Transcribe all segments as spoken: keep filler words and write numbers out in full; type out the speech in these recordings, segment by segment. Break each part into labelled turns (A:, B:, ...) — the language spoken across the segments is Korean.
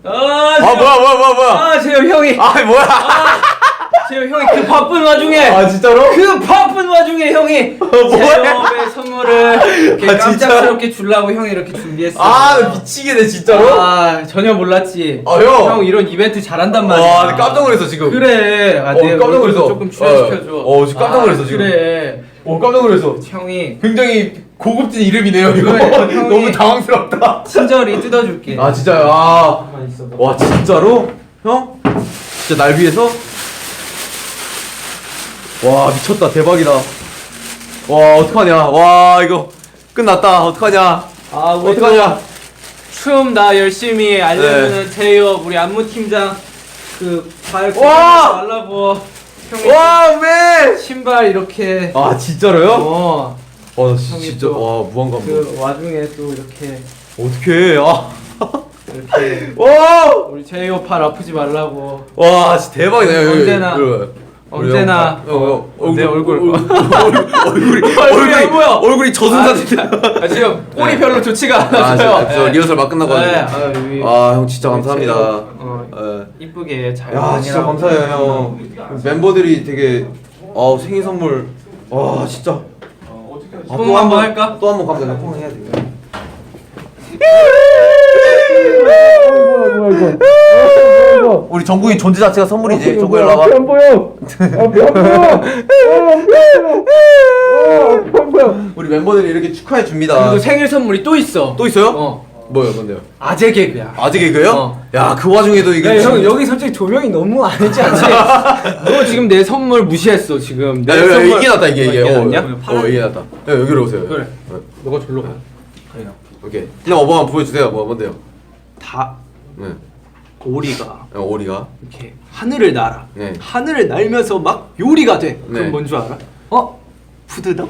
A: 아,
B: 아 뭐야 뭐야 뭐야 뭐야.
A: 아 재호 형이.
B: 아 뭐야.
A: 아, 재호 형이 그 바쁜 와중에.
B: 아 진짜로?
A: 그 바쁜 와중에 형이 재호의 선물을 이렇게
B: 아,
A: 깜짝스럽게 주려고 형이 이렇게 준비했어.
B: 아 미치겠네 진짜로?
A: 아 전혀 몰랐지.
B: 아 형.
A: 형 이런 이벤트 잘한단 말이야.
B: 와 깜짝 놀랐어 지금.
A: 그래. 아,
B: 어,
A: 내
B: 깜짝 놀랐어.
A: 조금 출연시켜줘.
B: 어, 어, 지금 깜짝 놀랐어,
A: 아,
B: 지금.
A: 그래.
B: 어 깜짝 놀랐어.
A: 형이
B: 굉장히 고급진 이름이네요 이거.
A: 그래, 형이-
B: 너무 당황스럽다.
A: 친절히 뜯어줄게.
B: 아 진짜요? 아.
A: 가만히 있어봐.
B: 와 진짜로? 형? 진짜 날 위해서? 와 미쳤다 대박이다. 와 어떡하냐. 와 이거 끝났다. 어떡하냐.
A: 아 우리
B: 어떡하냐.
A: 춤 나 열심히 알려주는
B: 네.
A: 제이홉 우리 안무 팀장 그발
B: 와!
A: 말라고 형이
B: 와 맨.
A: 신발 이렇게
B: 아 진짜로요?
A: 어.
B: 와
A: 형이
B: 진짜
A: 또
B: 와 무한 감동.
A: 그 와중에 또 이렇게
B: 어떡해. 아.
A: 이렇게
B: 와.
A: 우리 제이홉 팔 아프지 말라고
B: 와 진짜 대박이다. 여기, 여기,
A: 언제나
B: 여기.
A: 언제나
B: 어, 어, 어,
A: 내 얼굴
B: 얼굴이
A: 얼굴이 안 보여.
B: 얼굴이 젖은
A: 아,
B: 사진.
A: 진짜. 아, 지금 꼴이
B: 네.
A: 별로 좋지가
B: 아,
A: 않아서요.
B: 저, 저 리허설 막 끝나고
A: 네.
B: 왔는데.
A: 아,
B: 아, 형 진짜 감사합니다.
A: 어,
B: 예.
A: 이쁘게 잘.
B: 야, 진짜
A: 다니라고.
B: 감사해요, 형. 멤버들이 되게 아, 생일 선물. 와, 진짜. 아,
A: 뽕 한번 할까?
B: 또 한 번 가면 뽕 해야 돼. 우리 정국이 존재 자체가 선물이지. 정국이 일로 와봐.
C: 안 보여. 안 보여. 안 보여. 안 보여.
B: 우리 멤버들이 이렇게 축하해 줍니다.
A: 그리고 생일 선물이 또 있어.
B: 또 있어요?
A: 어.
B: 뭐요, 뭔데요?
A: 아재 개그야.
B: 아직 개그요?
A: 어.
B: 야, 그 와중에도 이게.
A: 야, 형 여기 솔직히 조명이 너무 안 했지 않지? 너 지금 내 선물 무시했어 지금. 내
B: 야, 여기, 여기
A: 선물-
B: 이게 낫다 이게 이게.
A: 이게
B: 어,
A: 낫냐?
B: 어, 이게 낫다. 야, 여기로 오세요.
A: 그래.
B: 어,
A: 너가 절로 가.
B: 오케이. 그냥 어버 한번 보여주세요. 뭐 뭔데요?
A: 다
B: 네.
A: 오리가
B: 어, 오리가.
A: 이렇게 하늘을 날아.
B: 네.
A: 하늘을 날면서 막 요리가 돼. 그럼
B: 네.
A: 뭔 줄 알아? 어? 푸드덕?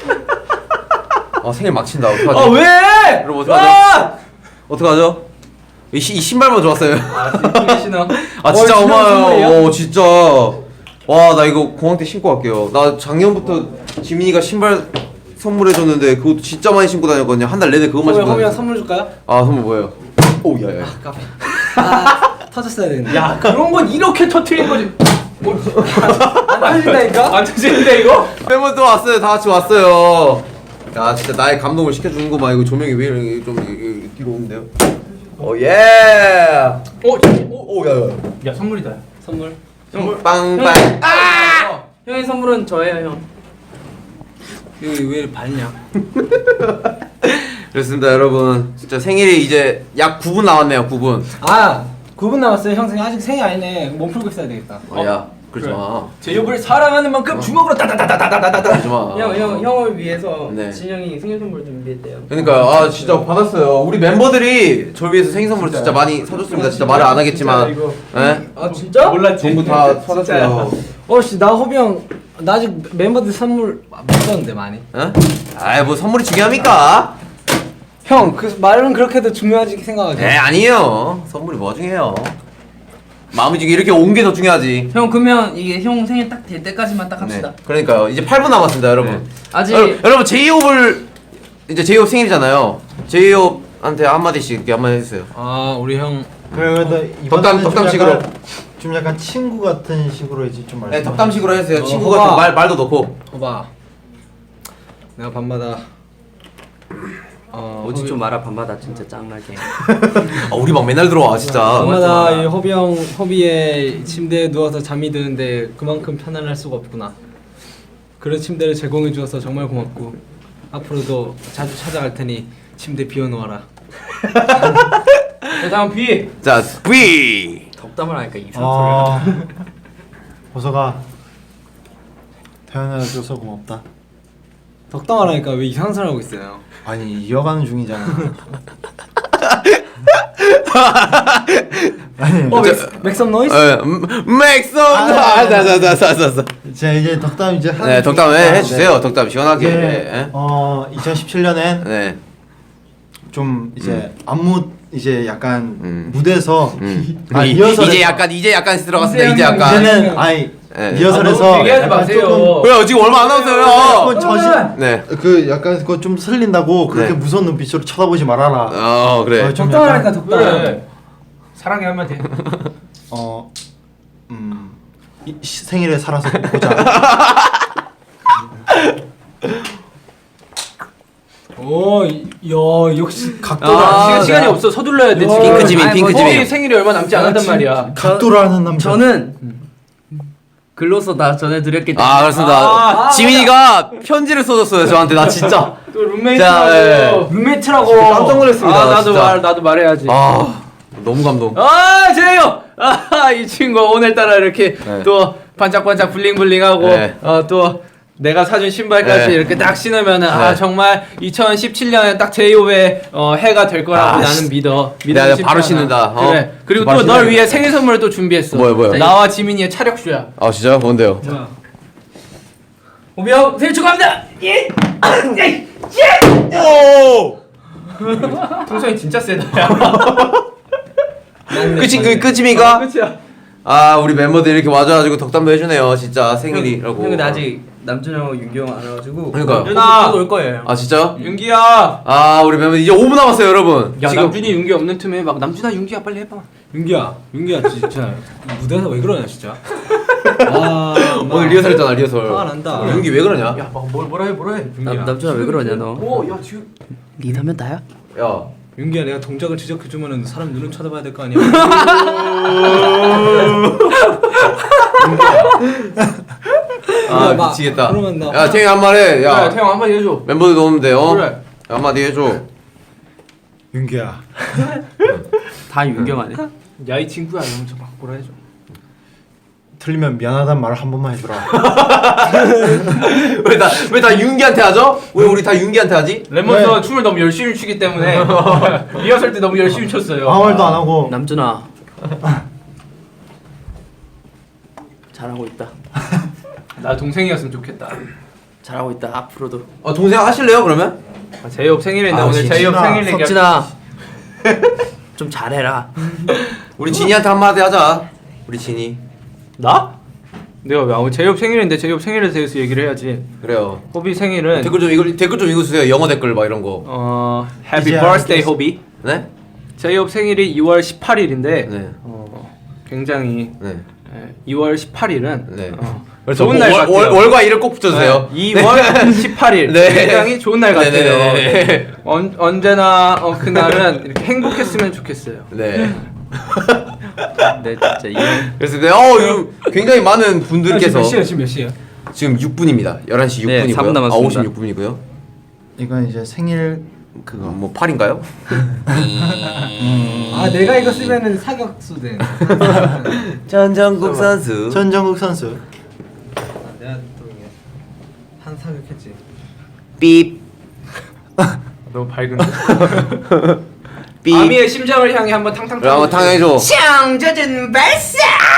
B: 아 생일 막 친다. 어떡하지?
A: 아 왜?
B: 여러분 어떡하죠?
A: 아!
B: 어떡하죠? 이, 시, 이 신발만 좋았어요.
A: 아 진짜 신어.
B: 아 진짜
A: 어, 신발 선물이야?
B: 고마워요. 오 진짜. 와 나 이거 공항 때 신고 갈게요. 나 작년부터 지민이가 신발 선물해줬는데 그것도 진짜 많이 신고 다녔거든요. 한 달 내내 그것만 신고
A: 허미야
B: 다녔어.
A: 선물 줄까요?
B: 아 선물 뭐예요? 오 야야.
A: 까비. 아 터졌어야 되는데. 야 그런 건 이렇게 터트린 거지. 안 터진다니까? 안 터지는데 이거?
B: 팬분들 왔어요. 다 같이 왔어요. 야 진짜 나의 감동을 시켜주는구만. 이거 조명이 왜 이렇게 좀 이- 이- 뒤로 오는데요? 오 예.
A: 어?
B: 오 야야.
A: 야 선물이다. 선물.
B: 선물 빵빵.
A: 아! 어, 형의 선물은 저예요 형. 여기 왜 밝냐?
B: 그렇습니다 여러분. 진짜 생일이 이제 약 구 분 남았네요. 구 분.
A: 아 구 분 남았어요. 형 생일 아직 생일 아니네. 몸 풀고 있어야 되겠다.
B: 어, 야 그러지 마.
A: 제이홉을 사랑하는 만큼 주먹으로 따다다다다다다다.
B: 그러지 마.
A: 형, 형, 형을 위해서
B: 네.
A: 진영이 생일 선물 준비했대요.
B: 그러니까 아 진짜 받았어요. 우리 멤버들이 저를 위해서 생일 선물 진짜 많이 사줬습니다. 진짜 말을 안 하겠지만,
A: 진짜 이거.
B: 예?
A: 아 진짜? 몰랐지.
B: 전부 다 사줬어요.
A: 어씨 나 호비 형, 나 아직 멤버들 선물 못 줬는데 많이.
B: 예? 아이 뭐 선물이 중요합니까?
A: 형, 그 말은 그렇게도 중요하지 생각하지.
B: 네 아니에요. 선물이 뭐 중요해요. 마음이 지금 이렇게 온 게 더 중요하지.
A: 형 그러면 이게 형 생일 딱 될 때까지만 딱 합시다.
B: 네. 그러니까요. 이제 팔 분 남았습니다, 여러분.
A: 네. 아직-
B: 여러, 여러분 제이홉을 이제 제이홉 생일이잖아요. 제이홉한테 한 마디씩 이렇게 한 마디 해주세요.
A: 아 우리 형.
C: 그래도
B: 덕담-
C: 이번에는
B: 덕담식으로.
C: 좀 약간, 좀 약간 친구 같은 식으로 이제 좀 말씀.
B: 네, 덕담식으로 해주세요.
A: 어,
B: 친구
A: 봐봐.
B: 같은 말 말도 넣고.
A: 봐봐. 내가 밤마다. 어,
D: 오지 좀 마라 밤마다 진짜 짱나게.
B: 아, 우리 막 맨날 들어와 진짜.
A: 밤마다 이 허비 형 허비의 침대에 누워서 잠이 드는데 그만큼 편안할 수가 없구나. 그런 침대를 제공해 주어서 정말 고맙고 앞으로도 자주 찾아갈 테니 침대 비워놓아라. 자 다음 비.
B: 자, V.
D: 덕담을 하니까 이상한
C: 어,
D: 소리가.
C: 보석아 태어나줘서 고맙다.
A: 덕담하라니까 왜 이상한 소리 하고 있어요?
C: 아니 이어가는 중이잖아. 아니
A: 어 맥섬 노이스?
B: 예, 맥섬. 아, 자자자자자자.
C: 제가 이제 덕담 이제 하는
B: 네, 덕담
C: 중이니까,
B: 해, 해주세요.
C: 네.
B: 덕담 시원하게.
C: 이제
B: 예.
C: 어 이천십칠 년엔
B: 네.
C: 좀 이제 안무 이제 약간
B: 음.
C: 무대에서
B: 음.
C: 아,
B: 이-
C: 리허설에서
B: 이제 약간 이제 약간 들어갔습니다. 이제
A: 이제는
B: 약간.
C: 이제는 아니
B: 네.
C: 리허설에서
A: 아, 너무 얘기하지
C: 약간
A: 마세요.
C: 조금
B: 왜요? 지금 얼마 안 남았어요.
C: 조금 저신
B: 네.
C: 그 약간 그거 좀 슬린다고 그렇게
B: 네.
C: 무서운 눈빛으로 쳐다보지 말아라.
B: 어 그래.
C: 어, 좀
A: 덕담하라니까
C: 약간-
A: 덕담. 사랑해 한마디.
C: 어, 음, 이, 시- 생일에 살아서 보자.
A: 오, 야 역시 각도가
D: 아,
A: 시간, 시간이
D: 네.
A: 없어. 서둘러야 돼. 지금.
D: 핑크 지민,
A: 아니,
D: 핑크
A: 뭐,
D: 지민.
A: 거기 생일이 얼마 남지 않았단 말이야.
C: 각도라는 남자.
D: 저는 글로써 다 전해드렸기 때문에.
B: 아 그렇습니다.
A: 아,
B: 지민이가 편지를 써줬어요 저한테. 나 진짜.
A: 또 룸메이트라고.
B: 자, 예.
A: 룸메이트라고.
B: 깜짝 놀랐습니다,
A: 아, 나도
B: 진짜.
A: 말 나도 말해야지.
B: 아 너무 감동.
A: 아, 제요. 아, 이 친구 오늘따라 이렇게
B: 네.
A: 또 반짝반짝 블링블링하고
B: 네.
A: 어, 또 내가 사준 신발까지
B: 네.
A: 이렇게 딱 신으면은 아
B: 네.
A: 정말 이천십칠 년에 딱 제이홉의 어, 해가 될 거라고
B: 아,
A: 나는 믿어.
B: 내가
A: 믿음이
B: 바로
A: 쉽지 않아.
B: 신는다. 어?
A: 그래. 그리고
B: 바로
A: 또 널
B: 신어야겠다.
A: 위해 생일 선물을 또 준비했어.
B: 뭐요, 뭐요?
A: 나와 지민이의 차력쇼야.
B: 아 진짜요? 뭔데요?
A: 뭐야? 오비 형 생일 축하합니다. 예. 예.
B: 오!
A: 통성이 진짜 세다. 야.
B: 끝이 그 끝이니까.
A: 끝이야.
B: 아 우리 멤버들 이렇게 와줘가지고 덕담도 해주네요. 진짜 생일이라고.
D: 형 근데 아직 남준 형하고 윤기 형 안 와가지고.
B: 그러니까요.
A: 윤아.
D: 올 거예요.
B: 아 진짜요?
A: 윤기야.
B: 아 우리 멤버 이제 오 분 남았어요 여러분.
A: 야
B: 지금
A: 남준이 윤기 없는 틈에 막 남준아 윤기야 빨리 해봐. 윤기야 윤기야 진짜 무대에서 왜 그러냐 진짜. 아
B: 오늘 리허설 했잖아 리허설.
A: 화가 난다.
B: 윤기 왜 그러냐?
A: 야뭘 뭐라 해 뭐라 해.
D: 남
A: 윤기야.
D: 남준아 왜 그러냐 너?
A: 오야 지금
D: 니나면 다야?
B: 야.
A: 윤기야 내가 동작을 지적해주면은 사람 눈은 쳐다봐야 될 거 아니야.
B: 아
A: 막,
B: 미치겠다.
A: 그러면 나
B: 야 태영 한 말 해. 야
A: 그래 태영 한마디 해줘.
B: 멤버들도 오는데 어?
A: 그래.
B: 야, 한마디 해줘.
C: 윤기야.
D: 다 윤경 아니야?
A: 야 이 친구야 이러면서 막 뭐라 해줘.
C: 틀리면 미안하단 말을 한 번만 해주라.
B: 왜 다 왜 다 윤기한테 하죠? 왜 우리 다 윤기한테 하지?
A: 랩몬스터
C: 왜?
A: 춤을 너무 열심히 추기 때문에 리허설 때 너무 열심히 췄어요.
C: 아무 말도 안 하고.
D: 남준아. 잘하고 있다.
A: 나 동생이었으면 좋겠다.
D: 잘하고 있다. 앞으로도.
B: 어 동생 하실래요 그러면?
A: 아, 제이홉 생일인데
C: 아,
A: 오늘
C: 진짜.
A: 제이홉 생일 얘기.
D: 석진아. 좀 잘해라.
B: 우리 진이한테 한마디 하자. 우리 진이.
A: 나? 내가 왜 아무 제이홉 생일인데 제이홉 생일에 대해서 얘기를 해야지.
B: 그래요.
A: 호비 생일은
B: 댓글 좀 이거 댓글 좀 읽어주세요. 영어 댓글 막 이런 거.
A: 어 Happy
C: 이제
A: Birthday
C: 알겠어.
A: 호비.
B: 네?
A: 제이홉 생일이 이월 십팔일인데
B: 네.
A: 어, 굉장히
B: 네.
A: 예, 이월 십팔일은
B: 네.
A: 어,
B: 그래서
A: 좋은
B: 뭐,
A: 날
B: 월,
A: 같아요.
B: 월, 월과 일을 꼭 붙여주세요.
A: 네, 이월 십팔일
B: 네.
A: 굉장히 좋은 날 같아요.
B: 네네네네.
A: 언, 언제나 어, 그날은 이렇게 행복했으면 좋겠어요.
B: 네.
D: 네 진짜 이.
B: 그래서 네, 어 이거 굉장히 많은 분들께서
A: 지금 몇 시야?
B: 지금 육 분입니다. 열한 시 육 분이고요.
D: 네, 삼 분
B: 아,
D: 남았습니다.
B: 오십육 분이고요.
C: 이건 이제 생일
B: 그거 뭐 팔인가요?
A: 아 내가 이거 쓰면은 사격수 돼.
B: 전정국 선수.
C: 전정국 선수.
A: 내가 또 이게 한 사격했지.
B: 삐.
A: 너무 밝은데.
B: 삐.
A: 아미의 심장을 향해 한번 탕탕.
B: 그럼 한번 탕해줘.
A: 창조준 발사.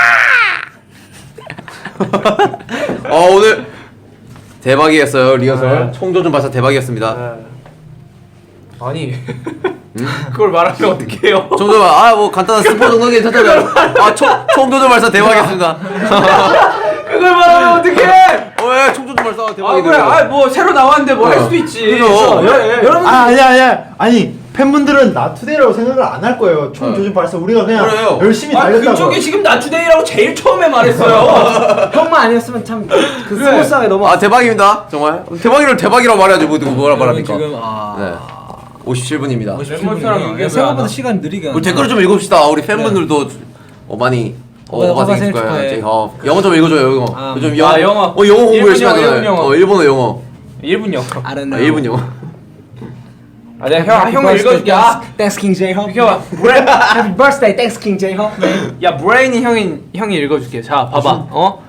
B: 어 오늘 대박이었어요 리허설.
A: 아.
B: 총조준 발사 대박이었습니다.
A: 아니 그걸 말하면 어떡해요?
B: 총조준 아뭐 간단한 스포 정도 괜찮다면 아총 총조준 발사 대박이었습니다.
A: 그걸 말하면 어떡해?
B: 어예 총조준 발사
A: 아
B: 대박이네요.
A: 그래, 아뭐 새로 나왔는데 뭐 할
B: 어.
A: 수도 있지.
B: 그죠.
A: 예, 예. 여러분
C: 아 아니야 아니야 아니 팬분들은 나투데이라고 생각을 안 할 거예요. 총
B: 네.
C: 조준 발사 우리가 그냥
B: 그래요.
C: 열심히
A: 아
C: 달렸다고.
A: 그쪽이 지금 나투데이라고 제일 처음에 말했어요. 형만 아니었으면 참 그
B: 그래.
A: 스무스하게 넘어.
B: 아 대박입니다 정말. 대박이를 대박이라고 말해야지 뭐 뭐라 말합니까?
A: 지금 아.
B: 네. 오십칠 분입니다.
A: 멤버스랑 연결
E: 생각보다 시간 느리게
B: 우리 댓글 좀 읽읍시다. 우리 팬분들도 어 많이 어
E: 어,
B: 오빠 생일
E: 생일
B: 축하해.
E: 축하해.
B: 어, 영어 좀 읽어줘요 영어.
E: 아,
B: 요즘
A: 아, 영어.
B: 어 영어 공부
A: 일본
B: 열심히
A: 영어,
B: 하잖아요.
A: 일본 영어.
B: 어 일본어 영어.
A: 일 분 영어.
E: I don't
B: 아,
E: know.
B: 일본 영어.
A: 아 내가 형 형을 읽어줄게. 아,
E: Thanks King J-Hope.
A: 형 브레
E: Happy birthday, thanks King J-Hope.
A: 야 브레인이 형이 형이 읽어줄게. 자 봐봐. 어?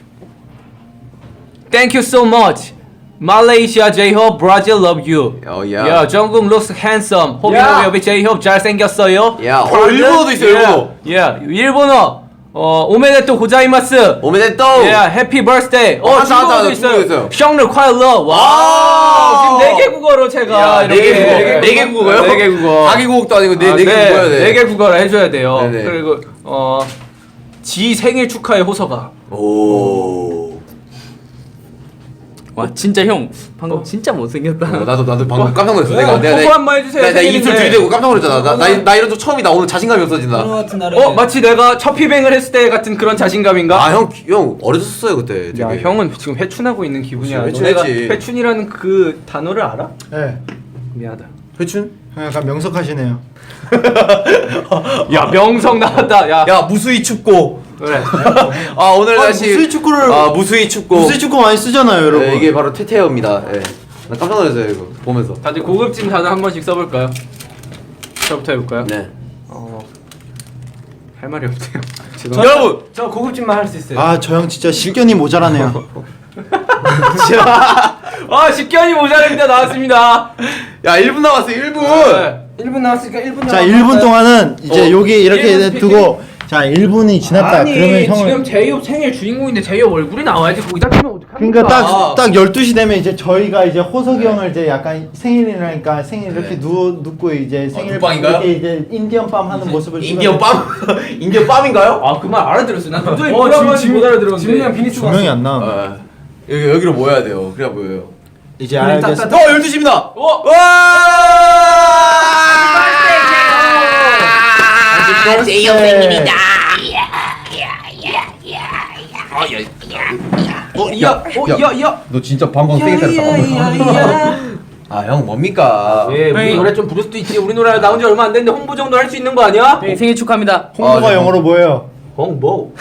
A: Thank you so much. Malaysia J-Hope, Brazil love you.
B: 어
A: 야,
B: 야.
A: 정국 looks handsome. 호비
E: 야.
A: 호비 J-Hope 잘 생겼어요.
B: 야. 어 일본어도 있어 일본어.
A: 야, 일본어. 어, 오메데토 고자이마스.
B: 오메데또.
A: 야, 해피 버스데이.
B: 어,
A: 어,
B: 한자, 한자,
A: 중국어도
B: 중국어
A: 있어요.
B: 있어요.
A: 생일 콰일러. 와.
B: 와.
A: 지금 네 개 국어로 제가
B: 야, 네 개
A: 이렇게
B: 국어. 네 개 국어요?
A: 네 개 국어.
B: 자기 국어도 아니고 네
A: 아,
B: 네 개 국어야 돼.
A: 네 개 국어를 해줘야 돼요.
B: 네네.
A: 그리고 어, 지 생일 축하의 호서가.
B: 오.
D: 와 진짜 형 방금 진짜 못생겼다.
B: 어, 나도 나도 방금 깜짝 놀랐어.
A: 왜?
B: 내가 내가
A: 포부 한번 해주세요,
B: 내가, 내가 입술
A: 생일인데.
B: 들이대고 깜짝 놀랐잖아. 나, 나, 나 이런 거 처음이다. 오늘 자신감이 없어진다.
E: 오늘 같은 날에
A: 어 마치 내가 첫 피뱅을 했을 때 같은 그런 자신감인가?
B: 아 형 형 어려졌어요 그때.
A: 야
B: 되게.
A: 형은 지금 회춘하고 있는 기분이야.
B: 그치,
A: 너네가
B: 회춘했지.
A: 회춘이라는 그 단어를 알아?
C: 네.
A: 미안하다.
B: 회춘?
C: 형 약간 명석하시네요.
A: 야 명성 나왔다. 야,
B: 야 무수히 춥고.
A: 그래.
B: 아 오늘
C: 아,
B: 날씨
C: 무수히 축구를-
B: 아 무수히 춥고.
C: 무술 축구 많이 쓰잖아요, 여러분.
B: 네, 이게 바로 테테어입니다. 예. 나 깜짝 놀랐어요 이거 보면서.
A: 다들 고급진 단어 한 번씩 써볼까요? 저부터 해볼까요?
B: 네.
A: 어... 할 말이 없대요.
B: 여러분.
E: 저 고급진만 할 수 있어요.
C: 아, 저 형 진짜 식견이 모자라네요.
A: 아 식견이 모자랍니다. 나왔습니다.
B: 야 일 분 남았어 일 분.
A: 네.
E: 일 분 남았으니까 일 분
C: 자, 일 분 동안은 이제
B: 어,
C: 여기 이렇게
A: 일 분
C: 두고 자, 일 분이 지났다.
A: 아니
C: 그러면 형을
A: 지금 제이홉 생일 주인공인데 제이홉 얼굴이 나와야지 거기다 끼면 어떡합니까?
C: 그러니까
B: 아.
C: 딱 딱 열두 시 되면 이제 저희가 이제 호석이 형을 이제 약간 생일이라니까 생일 이렇게 누워 눕고 이제 생일
B: 눕방인가요?
C: 이렇게 이제 인디언 밤 하는 모습을
B: 인디언
C: 찍어내-
B: 빰? 인디언 빰인가요?
A: 아 그 말 알아들었어. 난 도저히
E: 어,
A: 뭐라고
E: 지금
A: 하는지 못 알아들었는데.
E: 지민이랑 비니스
C: 조명이 안 나.
B: 아, 여기 여기로 모여야 돼요. 그래야 보여요.
C: 이제
E: 그래, 딱,
C: 알겠어.
E: 딱,
B: 어 열두 시입니다.
A: 어?
B: 와!
C: 제이홉 생일이다.
A: 어 이야 어 이야 이야.
B: 너 진짜 방금 생일 때렸다. 아 형 뭡니까?
A: 예 우리
D: 형이-
A: 노래 좀 부를 수도 있지. 우리 노래 나온 지 얼마 안 됐는데 홍보 정도 할 수 있는 거 아니야?
D: 형 생일 축하합니다.
C: 홍보가
B: 아,
C: 영어로 뭐예요?
A: 홍보.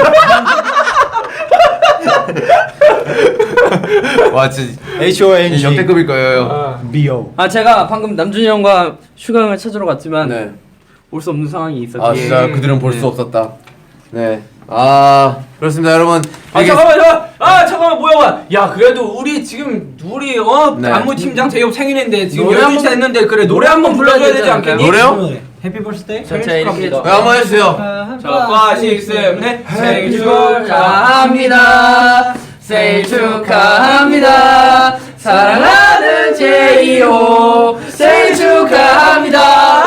B: 와 진짜
C: H O N G
B: 역대급일 거예요.
A: 아.
C: B O.
D: 아 제가 방금 남준이 형과 슈가 형을 찾으러 갔지만
B: 네.
D: 올 수 없는 상황이 있었지.
B: 아 진짜 그들은 볼 수 없었다. 네. 아 그렇습니다 여러분.
A: 아
B: 이게-
A: 잠깐만 잠깐만 아 잠깐만 뭐야 야 그래도 우리 지금 우리 어
B: 네.
A: 안무 팀장 제이홉 생일인데 지금
D: 노래
A: 열두 시
D: 한번-
A: 됐는데 그래 노래 한 번 불러줘야 되지
D: 불러야 되지
A: 않겠니?
B: 노래요?
E: 해피 버스데이.
D: 자, 자, 이렇게
A: 축하합니다.
B: 네, 한번 해주세요.
A: 자, 파, 식, 셈, 넷. 생일
D: 축하합니다. 생일 축하합니다. 사랑하는 제이홉 생일 축하합니다.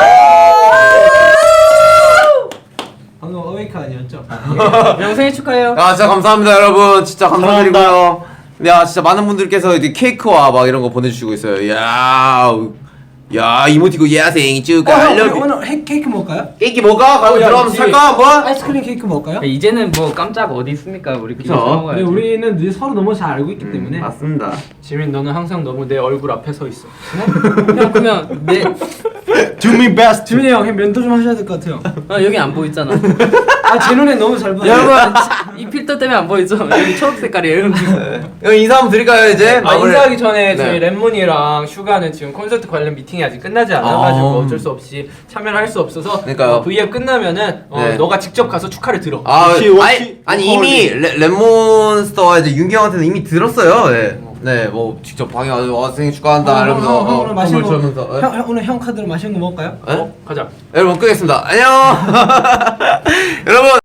E: 방금 어웨이크 아니었죠?
D: 형 생일 축하해요.
B: 아 진짜 감사합니다 여러분. 진짜 감사드리고요. 야 진짜 많은 분들께서 이제 케이크와 막 이런 거 보내주시고 있어요. 야, 야 이모티콘 야 생일
E: 어, 형, 우리
B: 축하할려.
E: 오늘 해, 케이크 먹을까요?
B: 케이크 뭐가? 가면
A: 어, 야,
B: 들어가면
A: 그치.
B: 살까 한번?
E: 아이스크림 케이크 먹을까요?
D: 이제는 뭐 깜짝 어디 있습니까? 우리 그냥
B: 그쵸.
D: 먹어야지.
E: 근데 우리는 늘 서로 너무 잘 알고 있기 때문에
B: 맞습니다.
A: 지민 너는 항상 너무 내 얼굴 앞에 서 있어.
D: 형 그러면 내
C: Do me best.
E: 지민이 형 면도 좀 하셔야 될 것 같아요.
D: 아, 여기 안 보이잖아.
E: 아 제 눈에 너무 잘 보여.
D: 여러분 이 필터 때문에 안 보이죠? 여기 초록 색깔이에요.
B: 형 인사 한번 드릴까요 이제?
A: 아
B: 마무리.
A: 인사하기 전에 저희
B: 네.
A: 램몬이랑 슈가는 지금 콘서트 관련 미팅이 아직 끝나지 않아가지고
B: 아.
A: 어쩔 수 없이 참여를 할 수 없어서
B: 그러니까요.
A: 어, 브이앱 끝나면은 어,
B: 네.
A: 너가 직접 가서 축하를 들어.
B: 아,
C: 워키, 워키,
B: 아니, 아니
C: 워커
B: 이미 레, 레몬스터와 이제 윤기 형한테는 이미 들었어요. 네, 네, 뭐 직접 방에 와서 와 생일 축하한다
E: 형,
B: 이러면서
E: 형, 형,
B: 어,
E: 오늘 맛있는 거.
B: 선물 주면서.
E: 형, 형 오늘 형 카드로 맛있는 거 먹을까요?
B: 네?
A: 어? 가자.
B: 여러분 끄겠습니다. 안녕. 여러분.